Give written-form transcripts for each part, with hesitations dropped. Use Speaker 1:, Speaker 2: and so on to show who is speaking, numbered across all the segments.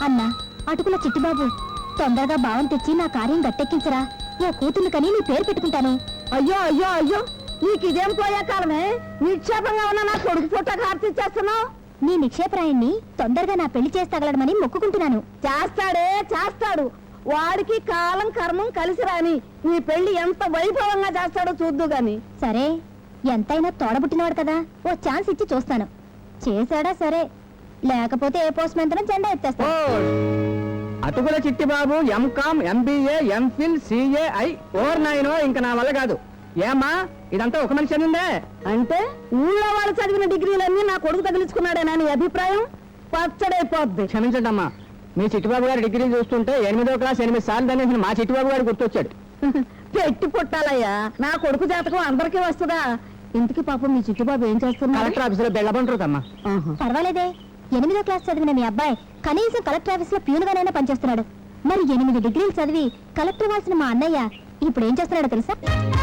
Speaker 1: అన్నా అటుకుల చిట్టిబాబు, తొందరగా భావం తెచ్చి నా కార్యం గట్టెక్కించరా. ఓ కూతుర్ని కని నీ పేరు పెట్టుకుంటాను.
Speaker 2: అయ్యో అయ్యో అయ్యో, నీకు ఇదేం పోయే కాలమే. నిక్షేపంగా ఉన్న నా కొడుకు పుట్టకు హారతిచ్చేస్తున్నావు.
Speaker 1: నీ నిక్షేపరాయన్ని తొందరగా నా పెళ్లి చేస్తగలడమని మొక్కుకుంటున్నాను.
Speaker 2: చేస్తాడే చేస్తాడు. వాడికి కాలం కర్మం కలిసి రాని నీ పెళ్లి ఎంత వైభవంగా చేస్తాడో చూద్దు గాని.
Speaker 1: సరే, ఎంతైనా తోడబుట్టినవాడు కదా, ఓ ఛాన్స్ ఇచ్చి చూస్తాను. చేశాడా సరే, లేకపోతే ఏ పోస్ట్ మెంతనం జెండా ఎత్తేస్తా.
Speaker 3: అటుకుల చిట్టిబాబు ఎంకామ్, ఎంబీఏ, ఎంఫిల్, సిఏఐ, 4-9 ఇంకా నా వల్ల కాదు. ఏమా ఇదంతా ఒక మనిషి అనిందే?
Speaker 2: అంటే ఊళ్ళో వాళ్ళు చదివిన డిగ్రీలన్నీ నా కొడుకు తగిలించుకున్నాడేనా నీ అభిప్రాయం? పచ్చడైపోద్ది.
Speaker 3: క్షమించండి అమ్మా, మీ చిట్టిబాబు గారి డిగ్రీ చూస్తుంటే 8వ క్లాస్ 8 సార్లు అనేసి మా చిట్టిబాబు గారు గుర్తొచ్చాడు.
Speaker 2: పెట్టి పుట్టాలయ్యా, నా కొడుకు జాతకం అందరికీ వస్తుందా? ఇంటికి పాపం మీ చిట్టుబాబు ఏం చేస్తున్నారు?
Speaker 3: కలెక్టర్ ఆఫీసులో బెల్లబంటారమ్మా.
Speaker 1: పర్వాలేదే, 8వ క్లాస్ చదివిన మీ అబ్బాయి కనీసం కలెక్టర్ ఆఫీస్ లో ప్యూన్గానైనా పనిచేస్తున్నాడు. మరి 8 డిగ్రీలు చదివి కలెక్టర్ వాల్సిన మా అన్నయ్య ఇప్పుడు ఏం చేస్తున్నాడో తెలుసా?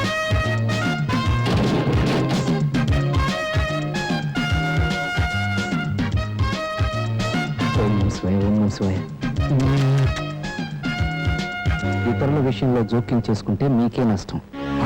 Speaker 3: ఇతరుల విషయంలో జోక్యం చేసుకుంటే మీకే నష్టం.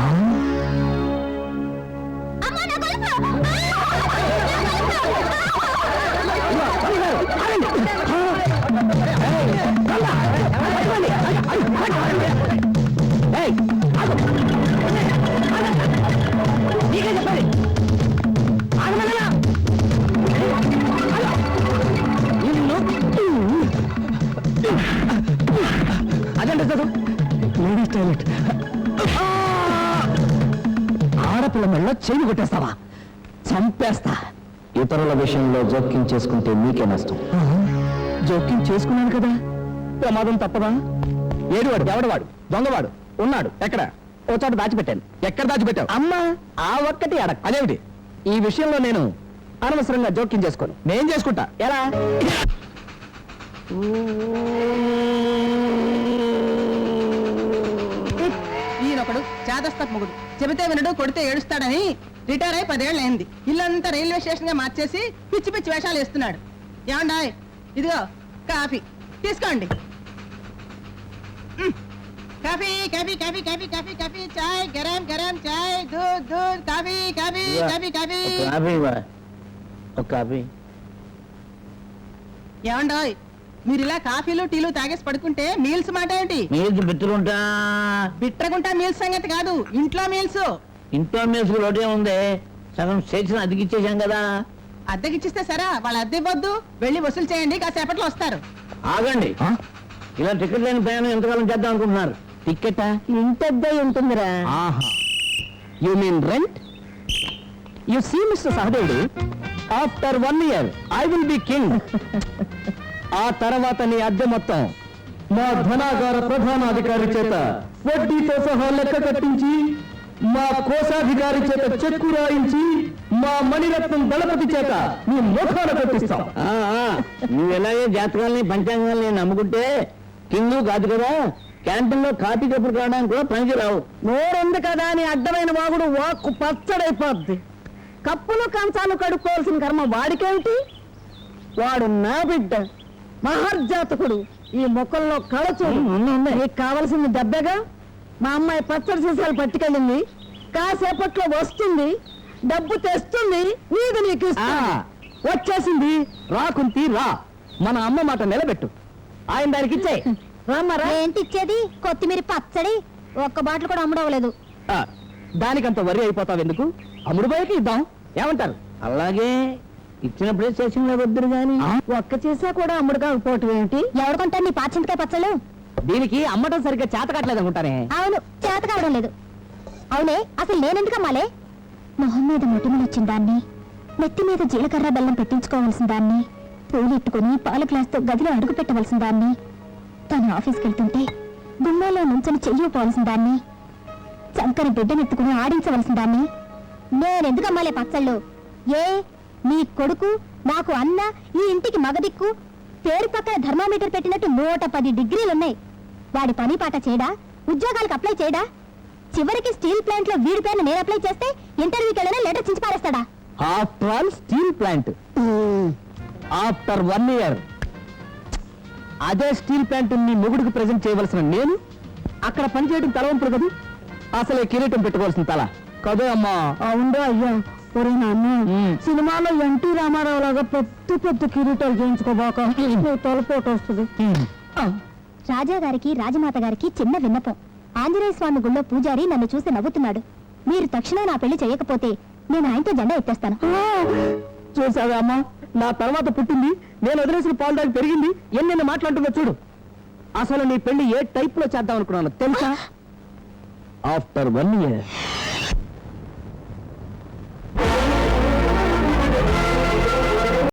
Speaker 3: అదంటే చదువు లేడీస్ టాయిలెట్. ఆడపిల్ల మెళ్ళలో చేయి కొట్టేస్తావా? చంపేస్తా. ఇతరుల విషయంలో జోక్యం చేసుకుంటే మీకే నష్టం. జోక్యం చేసుకున్నాను కదా, ప్రమాదం తప్పదా? ఏడువాడు, ఎవడవాడు, దొంగవాడు ఉన్నాడు ఎక్కడ? ఓ చోట దాచిపెట్టాను. ఎక్కడ దాచిపెట్టావు? అమ్మా, ఆ ఒక్కటి అడగ. అదేమిటి? ఈ విషయంలో నేను అనవసరంగా జోక్యం చేసుకోను. నేను చేసుకుంటా. ఎలా?
Speaker 4: ఈయనొకడు చేదస్త మొగుడు, చెబితే వినడు, కొడితే ఏడుస్తాడని రిటైర్ అయి 10 ఏళ్ళు అయింది. ఇల్లంతా రైల్వే స్టేషన్ గా మార్చేసి పిచ్చి పిచ్చి వేషాలు వేస్తున్నాడు. ఏమండాయ్, ఇదిగో కాఫీ తీసుకోండి. Coffee coffee coffee coffee coffee coffee, చాయ్ గరం గరం, చాయ్ దూద్ దూద్, కాఫీ కాఫీ కాఫీ కాఫీ. ఏమండాయ్, మీరు ఇలా కాఫీలు టీలు తాగేసి పడుకుంటే మీల్స్ మాట ఏంటి? బిట్రగుంటా మీల్స్ సంగతి కాదు, ఇంట్లో మీల్స్.
Speaker 5: ఇంట్లో మీల్స్ రోటే ఉంది, సగం స్టేషన్ అద్దెకిచ్చేసాం కదా.
Speaker 4: అద్దెకిచ్చిస్తే సరే, వాళ్ళ అద్దె ఇవ్వద్దు, వెళ్ళి వసూలు చేయండి, కాసేపట్లో వస్తారు.
Speaker 5: ఆగండి, ఇలా టికెట్ లేని ప్రయాణం ఎంతకాలం చేద్దాం అనుకుంటున్నారు?
Speaker 2: టికెటా? ఇంటద్దే ఉంటుందిరా.
Speaker 3: You mean rent? You see mister Sahadevudu, after 1 year I will be king. ఆ తర్వాత నీ అద్దె మొత్తం మా ధనాగార ప్రధానాధికారి చేత వడ్డీతో సహా లెక్క కట్టించి, మా కోశాధికారి చేత చెక్కు రాయించి, మా మణిరత్నం దళపతి చేత నీ ముఖాన కట్టిస్తాం.
Speaker 5: నువ్వు ఎలాగే జాతకాలని పంచాంగాల్ని నమ్ముకుంటే కింగ్ కాదు కదా. క్యాంటీన్ లో కాఫీ కప్పులు కావడానికి కూడా పనికి రావు.
Speaker 2: నోరుంది కదా అని అడ్డమైన వాగుడు వాక్కు పచ్చడైపోద్ది. కప్పులు కంచాలు కడుక్కోవాల్సిన కర్మ వాడికేమిటి? వాడు నా బిడ్డ, మహర్జాతకుడు. ఈ మొక్కల్లో కళచూడు. నీకు కావలసింది దెబ్బగా. మా అమ్మాయి పచ్చడి సీసాలు పట్టుకెళ్ళింది, కాసేపట్లో వస్తుంది, డబ్బు తెస్తుంది, నీది నీకు
Speaker 3: వచ్చేసింది. రాకుంతి రా, మన అమ్మ మాట నిలబెట్టు. ఆయన దానికి ఇచ్చే.
Speaker 1: ఏంటి ఇచ్చేది? కొత్తిమీర పచ్చడి ఒక్క బాటిల్ కూడా అమ్ముడవలేదు.
Speaker 3: దానికంత వరి అయిపోతావు ఎందుకు? అమ్ముడు పోయాక ఇద్దాం, ఏమంటారు?
Speaker 5: అలాగే ఇచ్చినప్పుడే స్టేషన్లో వద్దురు గాని
Speaker 2: ఒక్క చేసా కూడా అమ్ముడు కాకపోవటం ఏంటి?
Speaker 1: ఎవడుకుంటారు నీ పాచింతకాయ పచ్చళ్ళు?
Speaker 3: దీనికి అమ్మటం సరిగ్గా చేత కావట్లేదు అనుకుంటానే.
Speaker 1: అవును, చేత కావడం లేదు. అవునే, అసలు నేనెందుకు అమ్మాలే? మొహం మీద మొటిమలు వచ్చిన దాన్ని, నెత్తి మీద జీలకర్ర బెల్లం పెట్టించుకోవాల్సిన దాన్ని, పూలు ఇట్టుకుని పాల గ్లాస్తో గదిలో అడుగు పెట్టవలసిన దాన్ని, తను ఆఫీస్కి వెళ్తుంటే గుమ్మాలో నుంచని చెయ్యిపోవాల్సిన దాన్ని, చంకని బిడ్డనెత్తుకుని ఆడించవలసిన దాన్ని, నేనెందుకు అమ్మాలే పచ్చళ్ళు? ఏ నీ కొడుకు నాకు అన్న, ఈ ఇంటికి మగదిక్కు, పేరు పక్కన థర్మామీటర్ పెట్టినట్టు 110 డిగ్రీలున్నాయి. వాడి పని పాట చేయడా? ఉద్యోగాలకు అప్లై చేయడా? చివరికి స్టీల్ ప్లాంట్ లో వీడి పేరును నేను అప్లై చేస్తే ఇంటర్వ్యూకి వెళ్ళినా లెటర్ చించి పారేస్తాడా?
Speaker 3: After all steel plant, after 1 year అదే స్టీల్ ప్యాంటు నీ మొగుడికి ప్రజెంట్ చేయవలసిన నేను అక్కడ పనిచేయడం తలవంపుడు కదా, అసలే కిరీటం పెట్టుకోవాల్సిన తల కదే అమ్మా.
Speaker 2: అవునా అయ్యా, ఒరే నాన్న
Speaker 3: ఉమ్.
Speaker 2: సినిమాలో ఎన్టీ రామారావు లాగా పెద్ద పెద్ద కిరీటాలు చేయించుకోబాక తలపోటు వస్తుంది.
Speaker 1: రాజా గారికి రాజమాత గారికి చిన్న విన్నపం. ఆంజనేయ స్వామి గుళ్ళో పూజారి నన్ను చూసి నవ్వుతున్నాడు. మీరు తక్షణం నా పెళ్లి చేయకపోతే నేను ఆయనతో జెండా ఎత్తేస్తాను.
Speaker 3: చూసావా అమ్మా, నా తర్వాత పుట్టింది, నేను వదిలేసిన పాలు దాకా పెరిగింది, ఎన్నెన్ని మాట్లాడుతుందో చూడు. అసలు నీ పెళ్లి ఏ టైప్ లో చేద్దాం అనుకున్నాను తెలుసా? After 1 year